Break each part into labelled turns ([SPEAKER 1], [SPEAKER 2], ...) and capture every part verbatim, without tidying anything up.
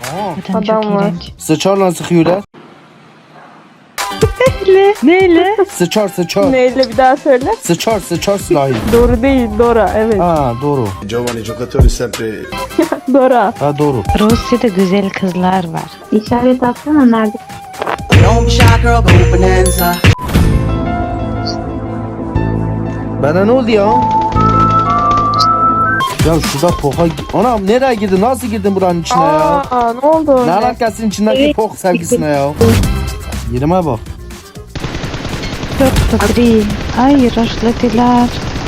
[SPEAKER 1] Aa,
[SPEAKER 2] Adam,
[SPEAKER 3] Adam
[SPEAKER 2] çok
[SPEAKER 3] var.
[SPEAKER 2] iğrenç.
[SPEAKER 1] sıçarla sıkıyorlar.
[SPEAKER 2] Neyle? Neyle?
[SPEAKER 1] Sıçar sıçar.
[SPEAKER 3] Neyle bir daha söyle.
[SPEAKER 1] Sıçar sıçar silahı.
[SPEAKER 3] Doğru değil, Dora. Evet.
[SPEAKER 1] Ha doğru.
[SPEAKER 4] Giovani giocatori sempre
[SPEAKER 3] Dora.
[SPEAKER 1] Ha doğru.
[SPEAKER 2] Rusya'da güzel kızlar var.
[SPEAKER 5] İşaret atsana nerede?
[SPEAKER 6] Don't be shy, girl, go bonanza.
[SPEAKER 1] Bana ne oldu ya? Ya şurada poka... Anam nereye girdin? Nasıl girdin buranın içine ya?
[SPEAKER 3] Aa, ne oldu
[SPEAKER 1] Ne
[SPEAKER 3] öyle?
[SPEAKER 1] alakasın içindeki
[SPEAKER 5] Evet.
[SPEAKER 1] pok sevgisine ya? Yerime bak.
[SPEAKER 2] Çok tatlı. Ay rushladılar.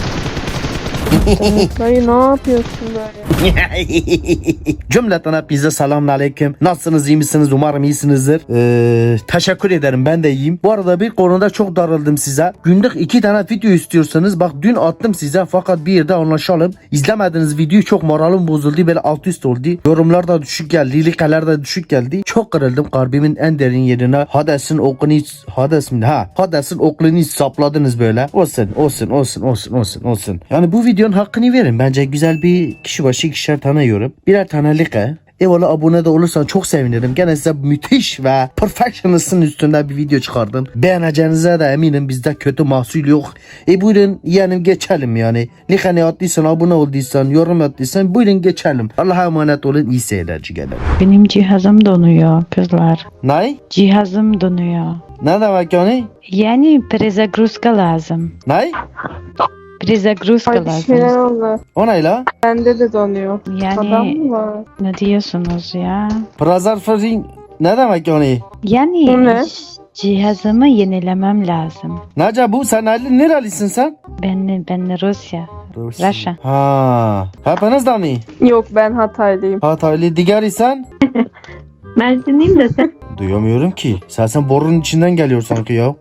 [SPEAKER 3] Dayı ne yapıyorsun böyle?
[SPEAKER 1] Cümleten hepinize selamun aleyküm. Nasılsınız, iyi misiniz? Umarım iyisinizdir. Ee, teşekkür ederim, ben de iyiyim. Bu arada bir konuda çok darıldım size. Günlük iki tane video istiyorsanız bak dün attım size, fakat bir yerde anlaşalım. İzlemediğiniz videoyu çok moralim bozuldu. Böyle alt üst oldu. Yorumlar da düşük geldi. Like'ler de düşük geldi. Çok kırıldım. Kalbimin en derin yerine Hades'in okunu Hades mi? Ha, Hades'in okulunu sapladınız böyle. Olsun, olsun, olsun, olsun, olsun, olsun. Yani bu videonun hakkını verin. Bence güzel bir kişi başı ikişer tane yorum. Birer tane like. Eyvallah, abone de olursan çok sevinirim. Gene size müthiş ve perfectionist'ın üstünde bir video çıkardım. Beğeneceğinize de eminim, bizde kötü mahsul yok. E buyurun yeğenim, geçelim yani. Like'ni attıysan, abone olduysan, yorum attıysan buyurun geçelim. Allah'a emanet olun, iyi seyirci gelin.
[SPEAKER 2] Benim cihazım donuyor kızlar.
[SPEAKER 1] Ne?
[SPEAKER 2] Cihazım donuyor.
[SPEAKER 1] Ne demek yani?
[SPEAKER 2] Yani prezagruska lazım.
[SPEAKER 1] Ne?
[SPEAKER 2] Prezagruska
[SPEAKER 3] Ay bir şeyler
[SPEAKER 2] lazım.
[SPEAKER 3] oldu.
[SPEAKER 1] O ne la?
[SPEAKER 3] Bende de donuyor. Adam
[SPEAKER 2] Yani
[SPEAKER 3] mı var?
[SPEAKER 2] ne diyorsunuz ya?
[SPEAKER 1] Prazerfering ne demek yani?
[SPEAKER 2] Yani
[SPEAKER 3] Bu ne?
[SPEAKER 2] cihazımı yenilemem lazım.
[SPEAKER 1] Nece bu? Sen nereli, nerelisin sen?
[SPEAKER 2] Ben ben Rusya. Rusya.
[SPEAKER 1] Ha. Hepiniz de mi?
[SPEAKER 3] Yok, ben Hataylıyım.
[SPEAKER 1] Hataylı digeri sen?
[SPEAKER 5] Mersinliyim de sen.
[SPEAKER 1] Duyamıyorum ki. Sen sen borunun içinden geliyor sanki ya.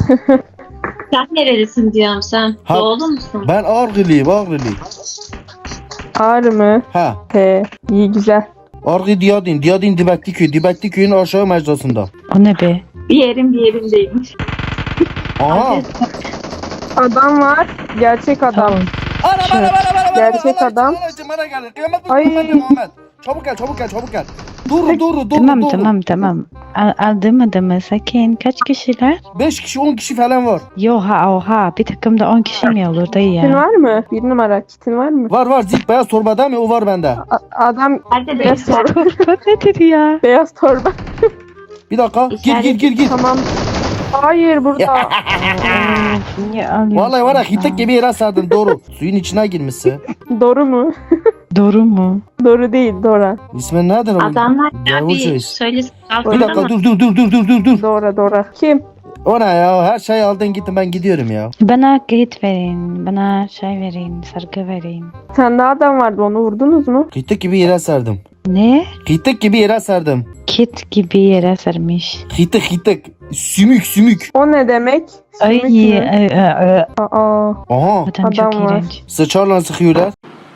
[SPEAKER 5] Sen nerelisin diyorum sen.
[SPEAKER 1] Ha.
[SPEAKER 5] Doğulu musun?
[SPEAKER 1] Ben Ağrılıyım, Ağrılı.
[SPEAKER 3] Ağrı mı?
[SPEAKER 1] Ha.
[SPEAKER 3] He, iyi güzel.
[SPEAKER 1] Ağrı Diyadin, Diyadin Dibekli köy, Dibekli köyün aşağı mecrasında.
[SPEAKER 2] O ne be?
[SPEAKER 5] Bir yerim bir yerim değilmiş.
[SPEAKER 1] Aha.
[SPEAKER 3] Adam var. Gerçek adam.
[SPEAKER 2] Tamam.
[SPEAKER 1] Ana bana bana bana bana.
[SPEAKER 3] Gerçek adam.
[SPEAKER 1] Bana gelir. Kıyamet bu,
[SPEAKER 3] Ay.
[SPEAKER 1] Muhammed Muhammed. Çabuk gel, çabuk gel, çabuk gel. Dur, dur, dur,
[SPEAKER 2] Tamam
[SPEAKER 1] dur.
[SPEAKER 2] tamam tamam. Al, aldım adamı sakin. Kaç kişiler?
[SPEAKER 1] beş kişi, on kişi falan var.
[SPEAKER 2] Yoha oha bir takımda on kişi mi olur dayı
[SPEAKER 3] Kitin
[SPEAKER 2] ya?
[SPEAKER 3] var mı? Bir numara kitin var mı?
[SPEAKER 1] Var var, zik beyaz torba değil mi? O var bende.
[SPEAKER 3] A- adam
[SPEAKER 5] Hadi
[SPEAKER 3] beyaz
[SPEAKER 5] de.
[SPEAKER 3] torba.
[SPEAKER 2] Torba nedir ya?
[SPEAKER 3] Beyaz torba.
[SPEAKER 1] Bir dakika. Gir gir gir gir.
[SPEAKER 3] Tamam. Hayır burada.
[SPEAKER 2] Of, niye alıyorsun?
[SPEAKER 1] Vallahi var ya,
[SPEAKER 2] ha?
[SPEAKER 1] hitek gibi yere sardın, doğru. Suyun içine girmişsin.
[SPEAKER 3] Doğru mu?
[SPEAKER 2] Doğru mu?
[SPEAKER 3] Doğru değil, Dora.
[SPEAKER 1] İsmin nedir oğlum?
[SPEAKER 5] Adamlar
[SPEAKER 1] Yavuz
[SPEAKER 5] abi
[SPEAKER 1] Reis.
[SPEAKER 5] söylesin.
[SPEAKER 1] Bir dakika, dur dur dur dur dur dur dur.
[SPEAKER 3] Dora, Dora. Kim?
[SPEAKER 1] O ne ya? Her şeyi aldın gittin, ben gidiyorum ya.
[SPEAKER 2] Bana git verin. Bana şey verin. Sargı verin.
[SPEAKER 3] Bir tane daha adam vardı, onu vurdunuz mu?
[SPEAKER 1] Hitek gibi yere serdim.
[SPEAKER 2] Ne?
[SPEAKER 1] Hitek gibi yere serdim.
[SPEAKER 2] Kit gibi yere sarmış.
[SPEAKER 1] Hitek hitek. Sümük sümük.
[SPEAKER 3] O ne demek?
[SPEAKER 2] Ay
[SPEAKER 3] Sümük mü?
[SPEAKER 2] ay, ay, ay.
[SPEAKER 3] Aa.
[SPEAKER 1] Aha.
[SPEAKER 2] Adam çok
[SPEAKER 3] Adam var.
[SPEAKER 2] iğrenç.
[SPEAKER 1] Sıçarla sıkıyorlar.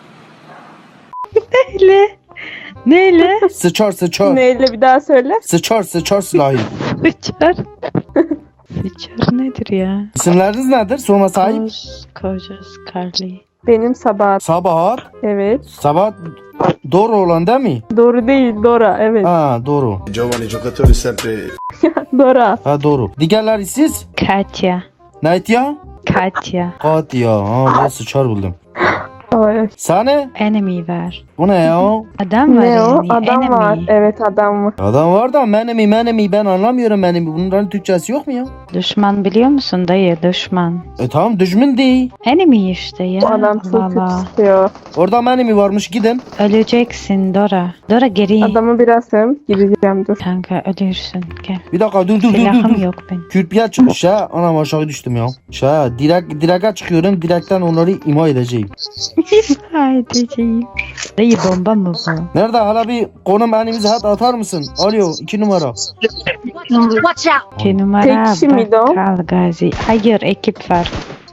[SPEAKER 2] Neyle? Neyle?
[SPEAKER 1] Sıçar sıçar.
[SPEAKER 3] Neyle bir daha söyle.
[SPEAKER 1] Sıçar sıçar silahı.
[SPEAKER 2] Bıçar. Bıçar nedir ya?
[SPEAKER 1] İsimleriniz nedir? Sorma sahip.
[SPEAKER 2] Koz, kocas, Carly.
[SPEAKER 3] Benim Sabahat.
[SPEAKER 1] Sabahat.
[SPEAKER 3] Evet.
[SPEAKER 1] Sabahat doğru olan değil mi?
[SPEAKER 3] Doğru değil, Dora. Evet.
[SPEAKER 1] Ha doğru.
[SPEAKER 4] giovani giocatori sempre
[SPEAKER 3] Dora.
[SPEAKER 1] Ha doğru. Diğerleri siz?
[SPEAKER 2] Katya.
[SPEAKER 1] Neydi ya?
[SPEAKER 2] Katya.
[SPEAKER 1] Katya. Ha ben sıçar buldum.
[SPEAKER 3] Ay.
[SPEAKER 1] Sahne?
[SPEAKER 2] Enemy var.
[SPEAKER 1] O ne ya?
[SPEAKER 2] Adam var
[SPEAKER 3] Ne o?
[SPEAKER 2] yani.
[SPEAKER 3] Adam
[SPEAKER 2] enemy.
[SPEAKER 3] var. Evet, adam var.
[SPEAKER 1] Adam var da menemi menemi ben anlamıyorum menemi. Bunların Türkçesi yok mu ya?
[SPEAKER 2] Düşman biliyor musun dayı? Düşman.
[SPEAKER 1] E tamam, düşman değil.
[SPEAKER 2] Enemy işte ya.
[SPEAKER 3] Bu adam çok
[SPEAKER 2] Allah
[SPEAKER 3] kötü
[SPEAKER 2] Allah.
[SPEAKER 3] sıkıyor.
[SPEAKER 1] Orada menemi varmış, gidin.
[SPEAKER 2] Öleceksin Dora. Dora geri.
[SPEAKER 3] Adamı biraz hem gideceğim, dur.
[SPEAKER 2] Kanka ölürsün. Gel.
[SPEAKER 1] Bir dakika dur dur dur dur.
[SPEAKER 2] Silahım
[SPEAKER 1] dur.
[SPEAKER 2] yok benim.
[SPEAKER 1] Kürpiye çıkmış ha. Anam aşağı düştüm ya. Şa direkt direkt çıkıyorum. Direkten onları ima edeceğim.
[SPEAKER 2] Haydi şeyim. Dayı bomba mı bu?
[SPEAKER 1] Nerede hala bir konum elimize hat atar mısın? Alo iki numara.
[SPEAKER 2] İki numara.
[SPEAKER 3] Tek kişi miydi o?
[SPEAKER 2] Bakkal Gazi. Hayır ekip var.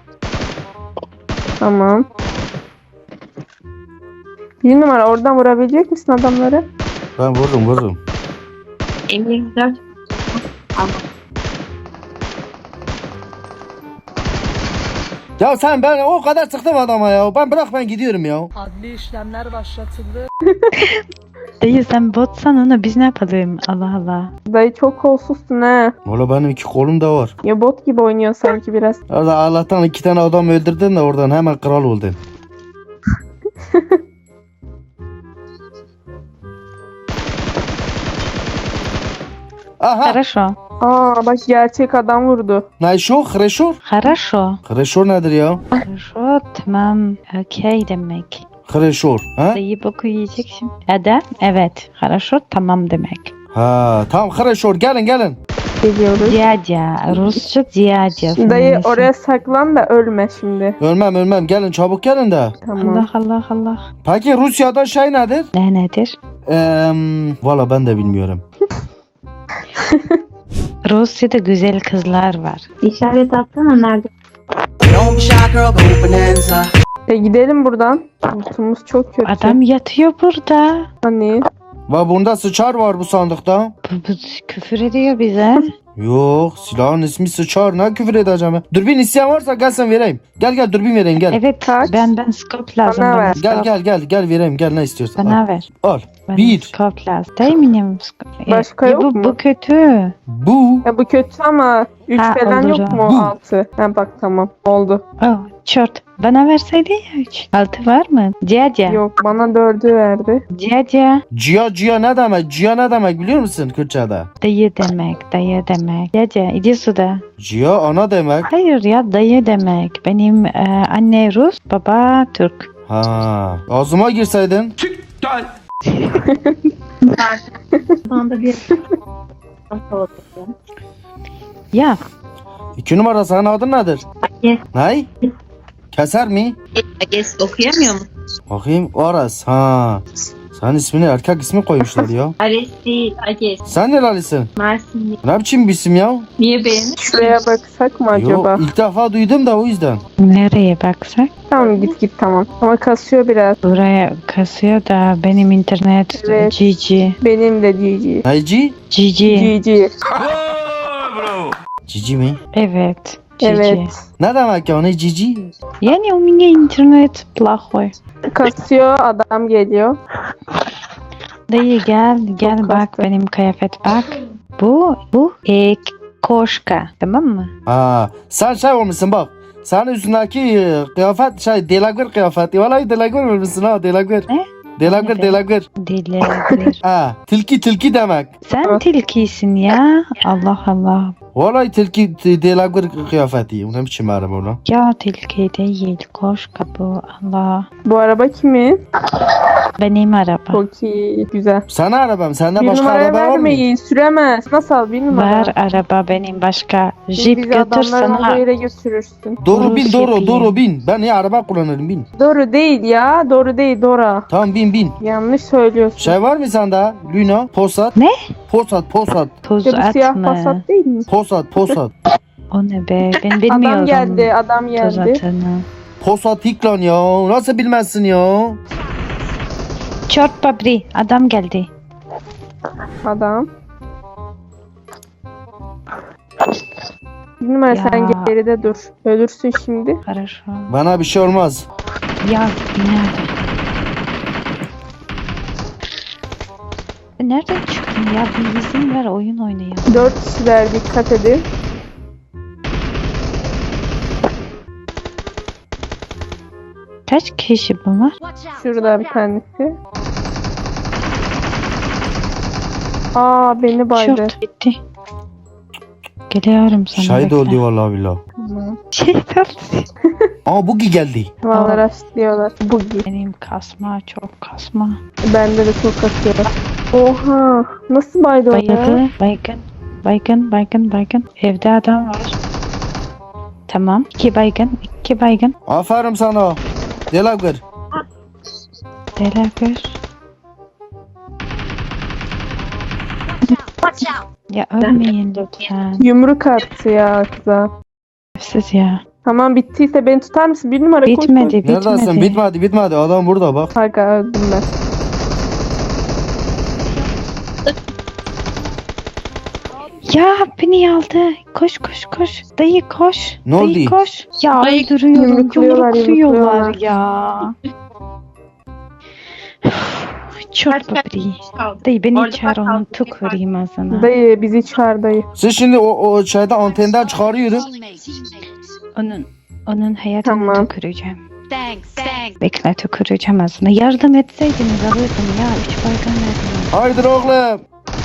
[SPEAKER 3] Tamam. Bir numara, oradan vurabilecek misin adamları?
[SPEAKER 1] Ben vururum vururum.
[SPEAKER 5] Emir dört.
[SPEAKER 1] Ya sen, ben o kadar sıktım adama ya. Ben bırak, ben gidiyorum ya.
[SPEAKER 7] Adli işlemler başlatıldı.
[SPEAKER 2] Dayı sen botsan onu biz ne yapalım? Allah Allah.
[SPEAKER 3] Dayı çok kolsuzsun ha.
[SPEAKER 1] Valla benim iki kolum da var.
[SPEAKER 3] Ya bot gibi oynuyor sanki biraz.
[SPEAKER 1] Orada Allah'tan iki tane adam öldürdün de oradan hemen kral oldun. Aha.
[SPEAKER 2] Хорошо.
[SPEAKER 3] Aa bak gerçek adam vurdu.
[SPEAKER 1] Найшов, хорошо?
[SPEAKER 2] Хорошо.
[SPEAKER 1] Хорошо nedir ya?
[SPEAKER 2] Хорошо. Tamam. Okey demek.
[SPEAKER 1] Хорошо. Ha?
[SPEAKER 2] Dayı boku yiyecek şimdi. Adam? Evet. Хорошо. Tamam demek.
[SPEAKER 1] Ha, tamam хорошо. Gelin gelin.
[SPEAKER 3] Geliyoruz.
[SPEAKER 2] Diyadya. Rusça diyadya.
[SPEAKER 3] Dayı oraya saklan da ölme şimdi.
[SPEAKER 1] Ölmem ölmem. Gelin çabuk gelin de.
[SPEAKER 3] Tamam.
[SPEAKER 2] Allah Allah Allah.
[SPEAKER 1] Peki Rusya'da şey nedir?
[SPEAKER 2] Ne nedir?
[SPEAKER 1] Eee, valla ben de bilmiyorum.
[SPEAKER 2] Rusya'da güzel kızlar var.
[SPEAKER 5] İşaret atsana nerede?
[SPEAKER 6] Don't be shy, girl, go bonanza.
[SPEAKER 3] E gidelim buradan. Lootumuz çok kötü.
[SPEAKER 2] Adam yatıyor burada.
[SPEAKER 3] Hani
[SPEAKER 1] Ve bunda sıçar var bu sandıkta.
[SPEAKER 2] Bu, bu küfür ediyor bize.
[SPEAKER 1] Yok, silahın ismi sıçar. Ne küfür edeceğim ben? Dürbün isteyen varsa gelsen vereyim. Gel gel dürbün vereyim gel.
[SPEAKER 2] Evet.
[SPEAKER 3] Kaç?
[SPEAKER 2] Ben ben scope lazım.
[SPEAKER 3] Bana
[SPEAKER 2] bana
[SPEAKER 3] ver.
[SPEAKER 1] Gel
[SPEAKER 2] scope.
[SPEAKER 1] gel gel gel vereyim gel ne istiyorsan.
[SPEAKER 2] Bana
[SPEAKER 1] Al.
[SPEAKER 2] ver.
[SPEAKER 1] Al.
[SPEAKER 2] Bana
[SPEAKER 1] Bir.
[SPEAKER 2] scope lazım. Değil mi benim scope?
[SPEAKER 3] Başka
[SPEAKER 2] Ya
[SPEAKER 3] yok
[SPEAKER 2] bu,
[SPEAKER 3] mu?
[SPEAKER 2] Bu kötü.
[SPEAKER 1] Bu.
[SPEAKER 3] ya bu kötü ama üç
[SPEAKER 2] Ha,
[SPEAKER 3] falan
[SPEAKER 2] olur
[SPEAKER 3] yok
[SPEAKER 2] o.
[SPEAKER 3] mu?
[SPEAKER 1] Bu.
[SPEAKER 3] altı. Ha bak tamam oldu.
[SPEAKER 2] Oh, çort. Bana verseydi ya üç. Altı var mı? Ciacia.
[SPEAKER 3] Yok bana dördü verdi.
[SPEAKER 2] Ciacia.
[SPEAKER 1] Cia cia ne demek? Cia ne demek biliyor musun Kürtçe'de?
[SPEAKER 2] Dayı demek. Dayı demek. Ciacia. İdi suda.
[SPEAKER 1] Cia ana demek.
[SPEAKER 2] Hayır ya dayı demek. Benim e, anne Rus, baba Türk.
[SPEAKER 1] Ha. Ağzıma girseydin.
[SPEAKER 5] Şu anda bir
[SPEAKER 2] Ya
[SPEAKER 1] İki numara senin adın nedir?
[SPEAKER 5] Yes.
[SPEAKER 1] Ney? Keser mi?
[SPEAKER 5] Ages okuyamıyor mu?
[SPEAKER 1] Bakayım Aras. Ha. Sen ismini erkek ismi koymuşlar ya.
[SPEAKER 5] Ares değil, Ages.
[SPEAKER 1] Sen nerelisin?
[SPEAKER 5] Mersinli.
[SPEAKER 1] Ne biçim bir isim ya?
[SPEAKER 5] Niye beğenir?
[SPEAKER 3] Şuraya baksak mı acaba?
[SPEAKER 1] Yok ilk defa duydum da o yüzden.
[SPEAKER 2] nereye baksak?
[SPEAKER 3] Tamam git git tamam. Ama kasıyor biraz.
[SPEAKER 2] Buraya kasıyor da benim internet
[SPEAKER 3] Evet.
[SPEAKER 2] G G.
[SPEAKER 3] Benim de G G.
[SPEAKER 1] Neyci?
[SPEAKER 2] G G.
[SPEAKER 3] G G.
[SPEAKER 1] Cici mi?
[SPEAKER 2] Evet. G G.
[SPEAKER 3] Evet.
[SPEAKER 1] Ne demek ya ne cici?
[SPEAKER 2] Yani у меня интернет плохой.
[SPEAKER 3] Kasıyor adam geliyor.
[SPEAKER 2] Dayı gel gel
[SPEAKER 3] Çok
[SPEAKER 2] bak
[SPEAKER 3] kastı.
[SPEAKER 2] benim kıyafet bak. Bu bu e, koşka tamam mı?
[SPEAKER 1] Ha, sen şey olmuşsun bak. Senin üstündeki e, kıyafet şey delagür kıyafeti. Vallahi delagür olmuşsun ha delagür.
[SPEAKER 2] Ne?
[SPEAKER 1] Delagür
[SPEAKER 2] Ne be?
[SPEAKER 1] delagür.
[SPEAKER 2] Dilebilir.
[SPEAKER 1] Ha, tilki tilki demek.
[SPEAKER 2] Sen
[SPEAKER 3] Evet.
[SPEAKER 2] tilkisin ya. Allah Allah.
[SPEAKER 1] Vallahi tilki t- delagür kıyafeti. O ne biçim araba o lan?
[SPEAKER 2] Ya tilki değil koşka bu. Allah.
[SPEAKER 3] Bu araba kimin?
[SPEAKER 2] Benim araba.
[SPEAKER 3] Çok iyi. Güzel.
[SPEAKER 1] Sana arabam. Sende
[SPEAKER 3] Bir
[SPEAKER 1] başka
[SPEAKER 3] numaraya
[SPEAKER 1] araba var mı?
[SPEAKER 3] vermeyin. Süremez. Nasıl al bir numara?
[SPEAKER 2] Var araba benim başka.
[SPEAKER 3] Bizi
[SPEAKER 2] Jeep götür
[SPEAKER 3] adamların olduğu
[SPEAKER 2] sana.
[SPEAKER 3] yere götürürsün.
[SPEAKER 1] Doğru bin
[SPEAKER 2] Rus
[SPEAKER 1] doğru
[SPEAKER 2] yapayım.
[SPEAKER 1] doğru bin. Ben ya araba kullanırım bin.
[SPEAKER 3] Doğru değil ya. Doğru değil. Dora.
[SPEAKER 1] Tamam bin bin.
[SPEAKER 3] Yanlış söylüyorsun.
[SPEAKER 1] Şey var mı sende? Luna, Posat.
[SPEAKER 2] Ne?
[SPEAKER 1] Posat, Posat,
[SPEAKER 2] Toz
[SPEAKER 3] İşte bu siyah
[SPEAKER 2] atma.
[SPEAKER 3] Passat değil mi?
[SPEAKER 1] Posat, Posat.
[SPEAKER 2] O ne be? Ben bilmiyorum.
[SPEAKER 3] Adam geldi. Adam
[SPEAKER 2] Toz
[SPEAKER 3] geldi.
[SPEAKER 2] atını.
[SPEAKER 1] Posat Hiklan ya. Nasıl bilmezsin ya?
[SPEAKER 2] Çort babri. Adam geldi.
[SPEAKER 3] Adam. Bir numara
[SPEAKER 2] Ya.
[SPEAKER 3] sen geride dur. Ölürsün şimdi.
[SPEAKER 2] Хорошо.
[SPEAKER 1] Bana bir şey olmaz.
[SPEAKER 2] Ya nerede? Nereden çıktın ya? Bir izin ver oyun oynayalım.
[SPEAKER 3] Dört kişiler dikkat edin.
[SPEAKER 2] Kaç kişi bunlar?
[SPEAKER 3] Şurada bir tanesi. Aa beni baydı.
[SPEAKER 2] Şort bitti. Geliyorum sana.
[SPEAKER 1] Şahit
[SPEAKER 2] bekle.
[SPEAKER 1] oldu vallahi billahi.
[SPEAKER 3] Tamam.
[SPEAKER 2] Şey tabii.
[SPEAKER 1] Aa Bugi geldi.
[SPEAKER 3] Vallahi rastlıyorlar. Bugi.
[SPEAKER 2] Benim kasma çok kasma.
[SPEAKER 3] Bende de çok atıyor. Oha. Nasıl baydı o ya?
[SPEAKER 2] Bayıldı. Baygın. Baygın. Baygın. Baygın. Evde adam var. Tamam. İki baygın. iki baygın.
[SPEAKER 1] Aferin sana. Delagür.
[SPEAKER 2] Delagür. Ya ölmeyin lütfen.
[SPEAKER 3] Yumruk attı ya kıza.
[SPEAKER 2] Siz ya.
[SPEAKER 3] Tamam bittiyse beni tutar mısın? Bir numara koş.
[SPEAKER 2] Bitmedi.
[SPEAKER 1] Neredesin?
[SPEAKER 2] Bitmedi.
[SPEAKER 1] Bitmedi bitmedi. Adam burada bak.
[SPEAKER 3] Kanka öldüm ben.
[SPEAKER 2] Ya beni aldı. Koş koş koş. Dayı koş.
[SPEAKER 1] Ne
[SPEAKER 2] Dayı
[SPEAKER 1] oldu?
[SPEAKER 2] koş. Ya
[SPEAKER 5] Dayı-
[SPEAKER 2] öldürüyorum.
[SPEAKER 3] Yumrukluyorlar,
[SPEAKER 2] Yumrukluyorlar
[SPEAKER 3] yumrukluyorlar.
[SPEAKER 2] ya. Çort
[SPEAKER 5] Kaç
[SPEAKER 2] babri.
[SPEAKER 5] kaldı?
[SPEAKER 2] Dayı beni
[SPEAKER 5] Orada
[SPEAKER 2] çağır
[SPEAKER 5] bak,
[SPEAKER 2] onu
[SPEAKER 5] kaldı.
[SPEAKER 2] tüküreyim ağzına.
[SPEAKER 3] Dayı bizi çağır dayı.
[SPEAKER 1] Siz şimdi o, o şeyde antenden çıkarıyorum.
[SPEAKER 2] Onun onun hayatını
[SPEAKER 3] Tamam.
[SPEAKER 2] tüküreceğim. Bekle tüküreceğim ağzına. Yardım etseydiniz alırdım ya. Üç baykan verdim.
[SPEAKER 1] Haydi oğlum.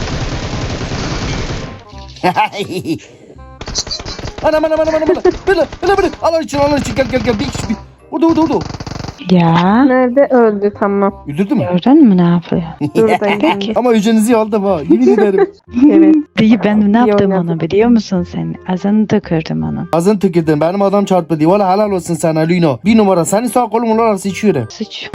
[SPEAKER 1] Anam anam anam anam anam. Böyle böyle böyle. Allah için Allah için gel gel gel. Bir kişi bir. Orada orada orada.
[SPEAKER 2] Ya.
[SPEAKER 3] Nerede öldü tamam.
[SPEAKER 1] Öldürdün mü?
[SPEAKER 2] Gördün mü ne yapıyor?
[SPEAKER 3] Dur dayı.
[SPEAKER 2] Peki.
[SPEAKER 1] Ama ücrenizi aldım ha. Yemin ederim.
[SPEAKER 3] Evet.
[SPEAKER 2] Dayı ben ne
[SPEAKER 3] İyi
[SPEAKER 2] yaptım
[SPEAKER 3] oynadın.
[SPEAKER 2] ona biliyor musun sen? Ağzını tükürdüm onun.
[SPEAKER 1] Ağzını tükürdün. Benim adam çarptı diye. Valla helal olsun sana Lino. Bir numara. Senin sağ kolun arası içiyorum.
[SPEAKER 2] Sıç.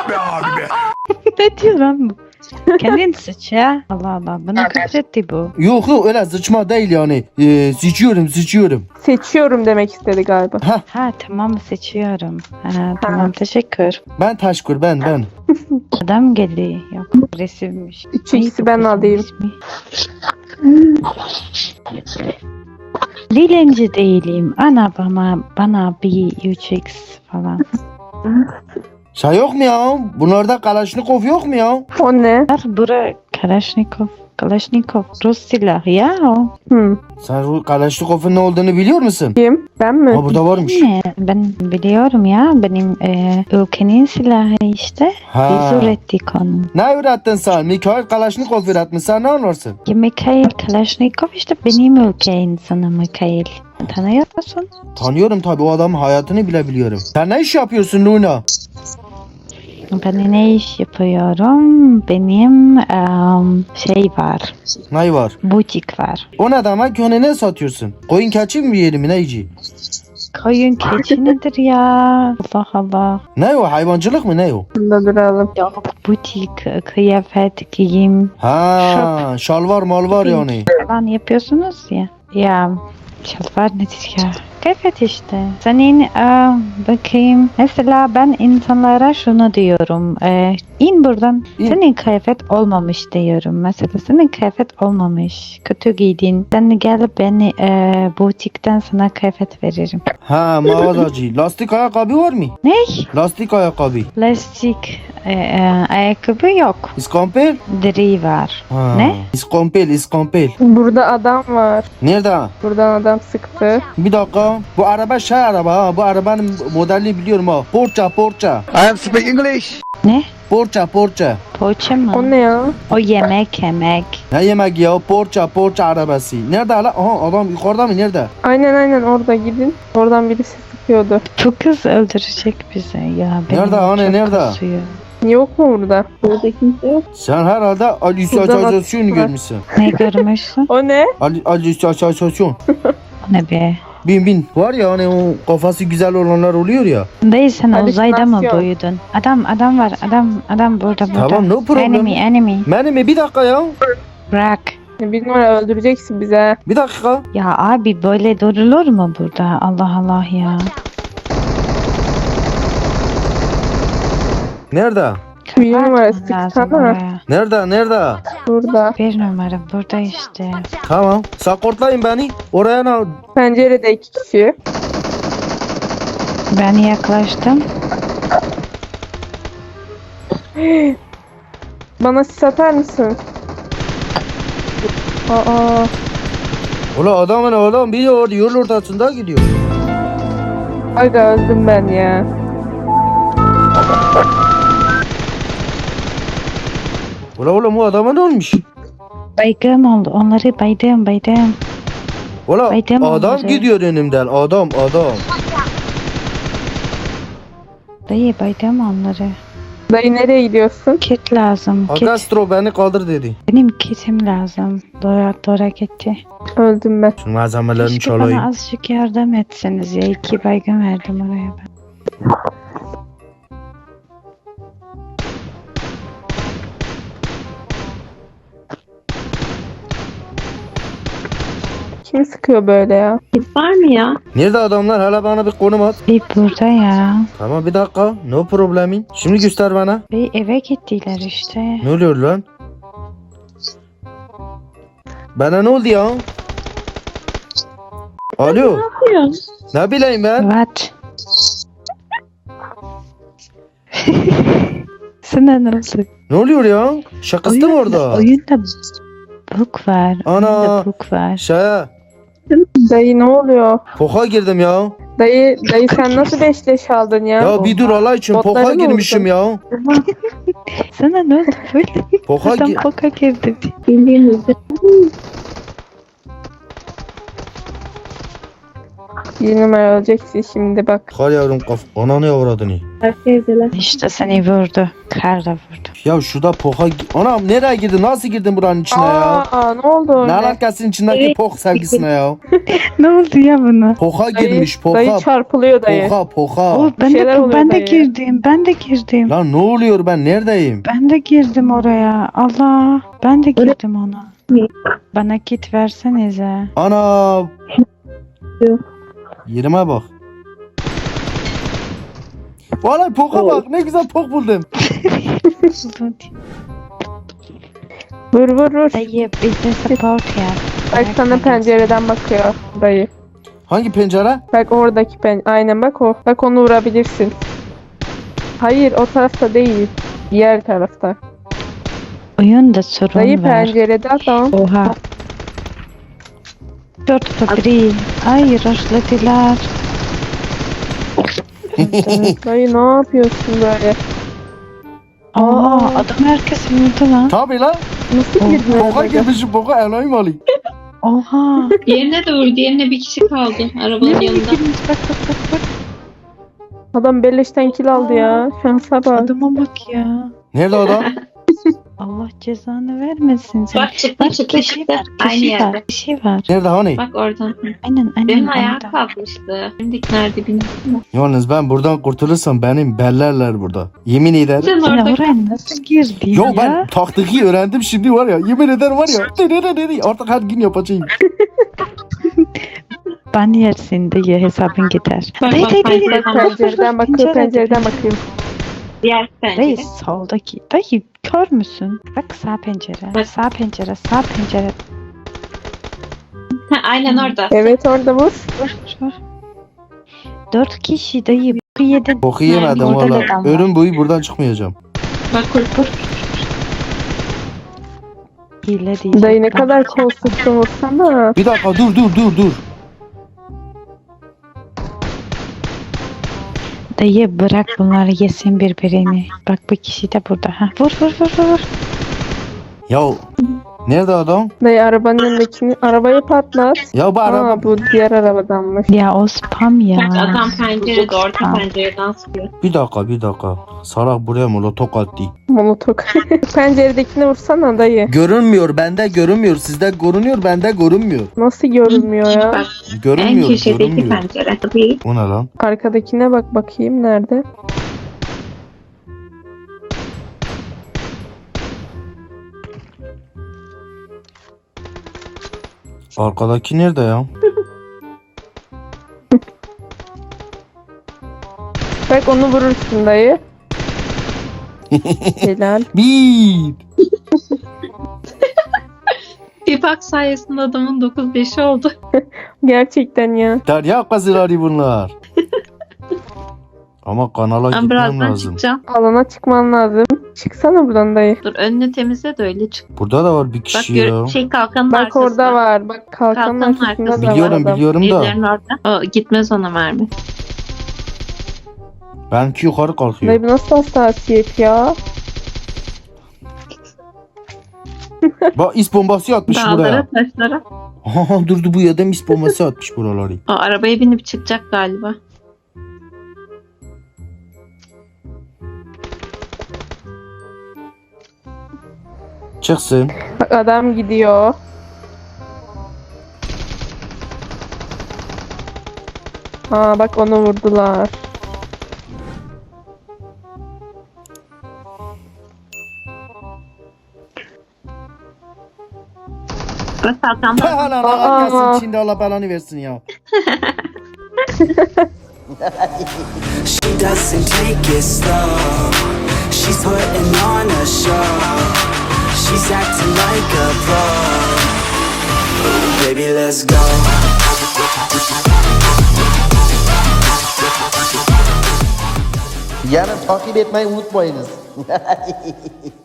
[SPEAKER 2] Ne diyor lan bu? Kendin sıç ya. Allah Allah. Bana küfretti bu.
[SPEAKER 1] Yok yok öyle sıçma değil yani. Ee, sıçıyorum sıçıyorum.
[SPEAKER 3] Seçiyorum demek istedi galiba.
[SPEAKER 2] Ha tamam seçiyorum. Ha, tamam teşekkür.
[SPEAKER 1] Ben Taşkur ben ben.
[SPEAKER 2] Adam geldi. Yok agresifmiş.
[SPEAKER 3] Üç ikisi
[SPEAKER 2] Neydi
[SPEAKER 3] ben
[SPEAKER 2] kızın
[SPEAKER 3] alayım.
[SPEAKER 2] ismi? Dilenci değilim. Ana bana bana bir üç x falan.
[SPEAKER 1] Şey yok mu ya? Bunlarda Kalaşnikov yok mu ya?
[SPEAKER 3] O ne?
[SPEAKER 2] Var bura Kalashnikov. Kalashnikov Rus silahı ya o.
[SPEAKER 3] Hı.
[SPEAKER 1] Sen bu Kalaşnikov'un ne olduğunu biliyor musun?
[SPEAKER 3] Kim? Ben mi?
[SPEAKER 1] Ha burada varmış.
[SPEAKER 2] Ne? Ben biliyorum ya benim e, ülkenin silahı işte.
[SPEAKER 1] Ha.
[SPEAKER 2] Biz ürettik onu.
[SPEAKER 1] Ne ürettin sen? Mikhail Kalaşnikov üretmiş. Sen ne anlarsın?
[SPEAKER 2] Ya Mikhail Kalashnikov işte benim ülke insanı Mikhail. Tanıyor musun?
[SPEAKER 1] Tanıyorum tabii o adamın hayatını bile biliyorum. Sen ne iş yapıyorsun Luna?
[SPEAKER 2] Ben ne iş yapıyorum? Benim em, şey var.
[SPEAKER 1] Ne var?
[SPEAKER 2] Butik var.
[SPEAKER 1] O ne demek? Onu ne satıyorsun? Koyun keçi mi yiyelim mi neyci?
[SPEAKER 2] Koyun keçi nedir ya? Allah Allah.
[SPEAKER 1] Ne o? Hayvancılık mı ne o?
[SPEAKER 3] Burada duralım.
[SPEAKER 2] Yok butik, kıyafet, giyim
[SPEAKER 1] Ha, şalvar malvar yani.
[SPEAKER 2] falan yapıyorsunuz ya. Ya şalvar nedir ya? Kıyafet işte. Senin e, bakayım. Mesela ben insanlara şunu diyorum. E, in buradan.
[SPEAKER 1] İn.
[SPEAKER 2] Senin kıyafet olmamış diyorum. Mesela senin kıyafet olmamış. Kötü giydin. Sen gel beni e, butikten sana kıyafet veririm.
[SPEAKER 1] Ha, mağazacı. Lastik ayakkabı var mı?
[SPEAKER 2] Ne?
[SPEAKER 1] Lastik ayakkabı.
[SPEAKER 2] Plastik e, e, ayakkabı yok.
[SPEAKER 1] İskompel?
[SPEAKER 2] Deri var.
[SPEAKER 1] Ha.
[SPEAKER 2] Ne?
[SPEAKER 1] İskompel, iskompel.
[SPEAKER 3] Burada adam var.
[SPEAKER 1] Nerede?
[SPEAKER 3] Buradan adam sıktı.
[SPEAKER 1] Bir dakika. Bu araba şey araba ha. Bu arabanın modelini biliyorum ha. Porsche, Porsche.
[SPEAKER 6] I am speak English.
[SPEAKER 2] Ne?
[SPEAKER 1] Porsche, Porsche.
[SPEAKER 2] Poğaça mı?
[SPEAKER 3] O ne ya?
[SPEAKER 2] O yemek yemek.
[SPEAKER 1] Ne yemek ya? Porsche, Porsche arabası. Nerede hala? Aha adam yukarıda mı? Nerede?
[SPEAKER 3] Aynen aynen orada gidin. Oradan birisi sıkıyordu.
[SPEAKER 2] Bu kız öldürecek bizi ya. Benim
[SPEAKER 1] Nerede anne,
[SPEAKER 2] çok
[SPEAKER 1] nerede?
[SPEAKER 2] kasıyor.
[SPEAKER 3] Yok mu burada?
[SPEAKER 5] Burada kimse yok.
[SPEAKER 1] Sen herhalde halüsinasyon
[SPEAKER 3] var.
[SPEAKER 1] görmüşsün.
[SPEAKER 2] Ne görmüşsün?
[SPEAKER 3] O ne?
[SPEAKER 1] Halüsinasyon.
[SPEAKER 2] O ne be?
[SPEAKER 1] Bin bin. Var ya hani o kafası güzel olanlar oluyor ya.
[SPEAKER 2] Dayı sen uzayda mı
[SPEAKER 3] Halüsinasyon.
[SPEAKER 2] büyüdün? Adam adam var adam adam burada burada.
[SPEAKER 1] Tamam, no problem.
[SPEAKER 2] Enemy enemy.
[SPEAKER 1] Benim mi? Bir dakika ya.
[SPEAKER 2] Bırak.
[SPEAKER 3] Bir numara öldüreceksin bize.
[SPEAKER 1] Bir dakika.
[SPEAKER 2] Ya abi böyle durulur mu burada? Allah Allah ya.
[SPEAKER 1] Nerede?
[SPEAKER 3] Bir numara
[SPEAKER 2] Kapatman lazım
[SPEAKER 3] sıksana.
[SPEAKER 2] oraya.
[SPEAKER 1] Nerede? Nerede?
[SPEAKER 3] Burada.
[SPEAKER 2] Bir numara burada işte.
[SPEAKER 1] Tamam. Sakortlayın beni. Oraya ne?
[SPEAKER 3] Pencerede iki kişi.
[SPEAKER 2] Ben yaklaştım.
[SPEAKER 3] Bana sis atar mısın? Aa,
[SPEAKER 1] Ulan adamın oğlum biri orada yol ortasında gidiyor.
[SPEAKER 3] aga öldüm ben ya.
[SPEAKER 1] Ulan oğlum o adama ne olmuş?
[SPEAKER 2] Baygım oldu. Onları baydım baydım.
[SPEAKER 1] Ulan
[SPEAKER 2] Baydım
[SPEAKER 1] adam
[SPEAKER 2] onları.
[SPEAKER 1] gidiyor önümden. Adam adam.
[SPEAKER 2] Dayı baydım onları.
[SPEAKER 3] Dayı nereye gidiyorsun?
[SPEAKER 2] Kit lazım. Kit.
[SPEAKER 1] Agastro beni kaldır dedi.
[SPEAKER 2] Benim kitim lazım. Dora Dora gitti.
[SPEAKER 3] Öldüm ben.
[SPEAKER 1] Şu malzemelerini
[SPEAKER 2] Keşke
[SPEAKER 1] çalayım.
[SPEAKER 2] bana azıcık yardım etseniz ya. İki baygın verdim oraya ben.
[SPEAKER 3] Kim sıkıyor böyle ya?
[SPEAKER 5] Kit var mı ya?
[SPEAKER 1] Nerede adamlar? Hala bana bir konum at.
[SPEAKER 2] Bir burada ya.
[SPEAKER 1] Tamam bir dakika. No problemin. Şimdi göster bana.
[SPEAKER 2] Bir eve gittiler işte.
[SPEAKER 1] Ne oluyor lan? Bana ne oldu ya? Alo.
[SPEAKER 5] Yapıyorsun.
[SPEAKER 1] Ne bileyim ben?
[SPEAKER 2] What? Sana ne oldu?
[SPEAKER 1] Ne oluyor ya? Şakası mı orada?
[SPEAKER 2] Oyunda bug var.
[SPEAKER 1] Ana.
[SPEAKER 2] Oyunda bug var.
[SPEAKER 1] Şey,
[SPEAKER 3] Dayı ne oluyor?
[SPEAKER 1] poka girdim ya.
[SPEAKER 3] Dayı dayı sen nasıl beş leş aldın ya?
[SPEAKER 1] Ya bir dur Allah için
[SPEAKER 3] Botları
[SPEAKER 1] poka
[SPEAKER 3] mı
[SPEAKER 1] girmişim ya.
[SPEAKER 2] Sana ne oldu böyle?
[SPEAKER 1] Poka
[SPEAKER 2] Adam
[SPEAKER 1] gi-
[SPEAKER 2] poka girdi.
[SPEAKER 5] Bildiğinizde.
[SPEAKER 3] Bir numara öleceksin şimdi bak.
[SPEAKER 1] Kar yavrum kaf. Ananı yavradını.
[SPEAKER 5] Herkesler.
[SPEAKER 2] İşte seni vurdu. Kar da vurdu.
[SPEAKER 1] Ya şurada poka... gi- Anam nereye girdin? Nasıl girdin buranın içine ya?
[SPEAKER 3] Aa ne oldu
[SPEAKER 1] Ne
[SPEAKER 3] öyle?
[SPEAKER 1] alakasın içindeki
[SPEAKER 5] Evet.
[SPEAKER 1] pok sevgisine ya?
[SPEAKER 2] Ne oldu ya buna?
[SPEAKER 1] Poka
[SPEAKER 3] Dayı,
[SPEAKER 1] girmiş poka.
[SPEAKER 3] dayı çarpılıyor dayı.
[SPEAKER 1] Poka poka.
[SPEAKER 2] O ben
[SPEAKER 3] şeyler
[SPEAKER 2] de
[SPEAKER 3] oluyor
[SPEAKER 2] ben de
[SPEAKER 3] dayı.
[SPEAKER 2] girdim. Ben de girdim.
[SPEAKER 1] Lan ne oluyor ben neredeyim?
[SPEAKER 2] Ben de girdim oraya. Allah. Ben de girdim ona. Bana kit versenize.
[SPEAKER 1] Ana.
[SPEAKER 5] Yok.
[SPEAKER 1] Yerime bak. Valla poka bak ne güzel pok buldum.
[SPEAKER 3] Vur vur vur.
[SPEAKER 2] Dayı bize support yap.
[SPEAKER 3] Bak sana pencereden bakıyor dayı.
[SPEAKER 1] Hangi pencere?
[SPEAKER 3] Bak oradaki pen. Aynen bak o. Bak onu vurabilirsin. Hayır o tarafta değil. Diğer tarafta.
[SPEAKER 2] Oyunda sorun
[SPEAKER 3] Dayı
[SPEAKER 2] var.
[SPEAKER 3] pencerede adam.
[SPEAKER 2] Oha. Dört fabri. Ay rushladılar.
[SPEAKER 3] Dayı ne yapıyorsun böyle?
[SPEAKER 2] Oha
[SPEAKER 3] Aa.
[SPEAKER 2] adam herkes vurdu lan.
[SPEAKER 1] Tabi lan.
[SPEAKER 3] Nasıl girdin
[SPEAKER 1] Poka
[SPEAKER 3] oraya?
[SPEAKER 1] girmişim poka elayım alayım.
[SPEAKER 2] Oha.
[SPEAKER 5] Diğerine de vurdu. Diğerine bir kişi kaldı arabanın
[SPEAKER 2] Nereye
[SPEAKER 5] yanında.
[SPEAKER 2] girmiş bak bak bak bak.
[SPEAKER 3] Adam belleşten kill aldı ya. Şansa bak.
[SPEAKER 2] Adama bak ya.
[SPEAKER 1] Nerede adam?
[SPEAKER 2] Allah cezanı vermesin sen.
[SPEAKER 5] Bak çıktı çıktı
[SPEAKER 2] kişi
[SPEAKER 5] çıktı.
[SPEAKER 2] var,
[SPEAKER 5] Aynı
[SPEAKER 2] kişi
[SPEAKER 5] yerde.
[SPEAKER 2] var, kişi var.
[SPEAKER 1] Nerede hani?
[SPEAKER 5] Bak oradan.
[SPEAKER 2] Aynen aynen.
[SPEAKER 5] Benim ayağa
[SPEAKER 2] orada.
[SPEAKER 5] kalkmıştı. Şimdiki nerede bilmiyorum.
[SPEAKER 1] Yalnız ben buradan kurtulursam benim bellerler burada. Yemin ederim.
[SPEAKER 5] Sen
[SPEAKER 2] Sen
[SPEAKER 5] orada
[SPEAKER 2] oraya nasıl girdin
[SPEAKER 1] Yo
[SPEAKER 2] ya?
[SPEAKER 1] ben taktiği öğrendim şimdi var ya. Yemin ederim var ya. Dedi dedi artık her gün yapacağım.
[SPEAKER 2] Ben yersin diye hesabın gider.
[SPEAKER 5] Bak,
[SPEAKER 2] Dayı
[SPEAKER 5] bak,
[SPEAKER 2] dayı
[SPEAKER 5] bak,
[SPEAKER 2] dayı.
[SPEAKER 5] bak,
[SPEAKER 3] Bak
[SPEAKER 5] bak,
[SPEAKER 3] pencereden bakıyor pencereden bakıyor.
[SPEAKER 5] diğer
[SPEAKER 2] Dayı
[SPEAKER 5] pencere.
[SPEAKER 2] soldaki. Dayı kör müsün? Bak sağ pencere.
[SPEAKER 5] Bak.
[SPEAKER 2] Sağ pencere. Sağ pencere.
[SPEAKER 5] Ha, aynen orada.
[SPEAKER 3] Evet orada vur.
[SPEAKER 2] Vur vur. Dört kişi dayı. Bu yedin.
[SPEAKER 1] Boku yemedim
[SPEAKER 2] Orada da
[SPEAKER 1] valla.
[SPEAKER 2] adam var.
[SPEAKER 1] Ölüm boyu buradan çıkmayacağım.
[SPEAKER 5] Bak vur vur.
[SPEAKER 2] Hile diyeceğim.
[SPEAKER 3] Dayı ne kadar kol sıktın vursana.
[SPEAKER 1] Bir dakika dur dur dur dur.
[SPEAKER 2] Dayı bırak bunları yesin birbirini. Bak bu kişi de burada. Ha. Vur vur vur vur. vur.
[SPEAKER 1] Ya nerede adam?
[SPEAKER 3] Dayı arabanın önündekini arabayı patlat.
[SPEAKER 1] Ya bu araba.
[SPEAKER 3] Aa bu diğer arabadanmış.
[SPEAKER 2] Ya o spam ya.
[SPEAKER 5] Bak adam pencerede orta
[SPEAKER 2] Spam.
[SPEAKER 5] pencereden sıkıyor.
[SPEAKER 1] Bir dakika bir dakika. Salak buraya molotok attı.
[SPEAKER 3] Molotok. Penceredekini vursana dayı.
[SPEAKER 1] Görünmüyor bende görünmüyor. Sizde görünüyor bende görünmüyor.
[SPEAKER 3] Nasıl görünmüyor ya?
[SPEAKER 5] Bak en
[SPEAKER 1] Görünmüyor
[SPEAKER 5] köşedeki
[SPEAKER 1] görünmüyor.
[SPEAKER 5] pencere. Tabii.
[SPEAKER 1] Bu ne lan?
[SPEAKER 3] Arkadakine bak bakayım nerede?
[SPEAKER 1] Arkadaki nerede ya?
[SPEAKER 3] Bak onu vurursun dayı. Helal.
[SPEAKER 1] Bir.
[SPEAKER 5] Bir bak sayesinde adamın dokuz beşi oldu.
[SPEAKER 3] Gerçekten ya.
[SPEAKER 1] Derya kazıları bunlar. Ama kanala
[SPEAKER 5] Ben
[SPEAKER 1] gitmem
[SPEAKER 5] birazdan
[SPEAKER 1] lazım.
[SPEAKER 5] çıkacağım.
[SPEAKER 3] Alana çıkman lazım. Çıksana buradan dayı.
[SPEAKER 5] Dur önünü temizle de öyle çık.
[SPEAKER 1] Burada da var bir
[SPEAKER 5] Bak
[SPEAKER 1] kişi
[SPEAKER 5] gör,
[SPEAKER 1] ya.
[SPEAKER 5] şey kalkanın
[SPEAKER 3] Bak
[SPEAKER 5] arkasında.
[SPEAKER 3] orada var. Bak kalkanın
[SPEAKER 5] Kalkanın
[SPEAKER 3] arkasında da
[SPEAKER 5] arkasında.
[SPEAKER 3] var
[SPEAKER 1] Biliyorum
[SPEAKER 3] adam.
[SPEAKER 1] biliyorum da.
[SPEAKER 5] Birilerinin orada. O, gitmez ona mermi.
[SPEAKER 1] Benimki yukarı kalkıyor.
[SPEAKER 3] Dayı bu nasıl hassasiyet ya?
[SPEAKER 1] Bak is bombası atmış
[SPEAKER 5] Dağlara
[SPEAKER 1] buraya.
[SPEAKER 5] taşlara.
[SPEAKER 1] Aha durdu bu adam is bombası atmış buraları.
[SPEAKER 5] O arabaya binip çıkacak galiba.
[SPEAKER 1] Çıksın.
[SPEAKER 3] Bak adam gidiyor. Aa bak onu vurdular.
[SPEAKER 5] Bak kalkan var.
[SPEAKER 1] Ha lan
[SPEAKER 3] Aa.
[SPEAKER 1] Allah gelsin şimdi Allah belanı versin ya.
[SPEAKER 6] She doesn't take it slow. She's putting on a show. She's acting like a pro. Baby, let's go.
[SPEAKER 1] Yani takip etmeyi unutmayınız.